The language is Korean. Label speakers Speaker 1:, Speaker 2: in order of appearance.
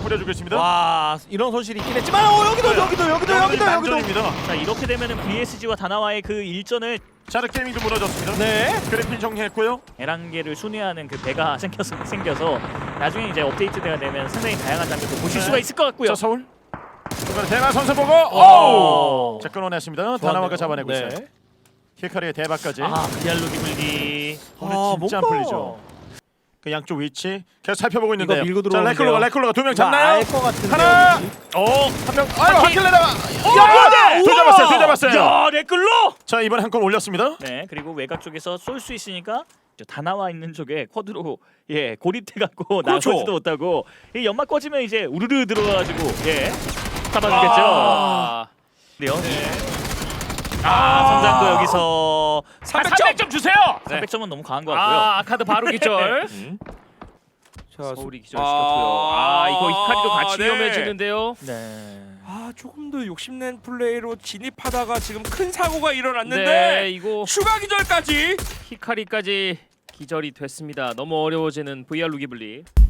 Speaker 1: 뿌려주고 있습니다.
Speaker 2: 와 이런 손실이 있긴 했지만 여기도
Speaker 1: 만전입니다.
Speaker 3: 자 이렇게 되면은 VSG와 다나와의 그 일전을
Speaker 1: 자, 게이밍도 무너졌습니다.
Speaker 2: 네.
Speaker 1: 그래핀 정리했고요.
Speaker 3: 에란계를 순회하는 그 배가 생겨서 나중에 이제 업데이트가 되면 상당히 다양한 장면도 보실
Speaker 1: 네.
Speaker 3: 수가 있을 것 같고요.
Speaker 1: 자, 서울. 이번에 대만 선수 보고 오! 자, 끊어냈습니다. 다나와가 잡아내고 있어요. 히카리의 대박까지.
Speaker 3: VR 기블리.
Speaker 1: 오늘 진짜 안 풀리죠. 그 양쪽 위치 계속 살펴보고 있는데요.
Speaker 2: 밀고
Speaker 1: 자,
Speaker 2: 들어오는데요.
Speaker 1: 레클로가 2명 잡나요?
Speaker 2: 알것 같은데.
Speaker 1: 하나. 한 명. 아유, 하킬레다가. 야! 둘 잡았어요.
Speaker 3: 야, 레클로!
Speaker 1: 자, 이번에 한 건 올렸습니다.
Speaker 3: 네, 그리고 외곽 쪽에서 쏠 수 있으니까 다나와 있는 쪽에 쿼드로 고립돼 갖고
Speaker 2: 그렇죠.
Speaker 3: 나가지도 못하고 이 연막 꺼지면 이제 우르르 들어가지고 잡아주겠죠. 그래요? 선장도 여기서
Speaker 4: 300점 주세요.
Speaker 3: 300점은 너무 강한 것 같고요.
Speaker 4: 아카드 바로 기절.
Speaker 2: 자,
Speaker 4: 서울이 기절시켰고요. 이거 히카리도 같이 위험해지는데요.
Speaker 3: 네.
Speaker 2: 조금 더 욕심낸 플레이로 진입하다가 지금 큰 사고가 일어났는데
Speaker 4: 네, 이거
Speaker 2: 추가 기절까지.
Speaker 4: 히카리까지 기절이 됐습니다. 너무 어려워지는 VR 루기블리.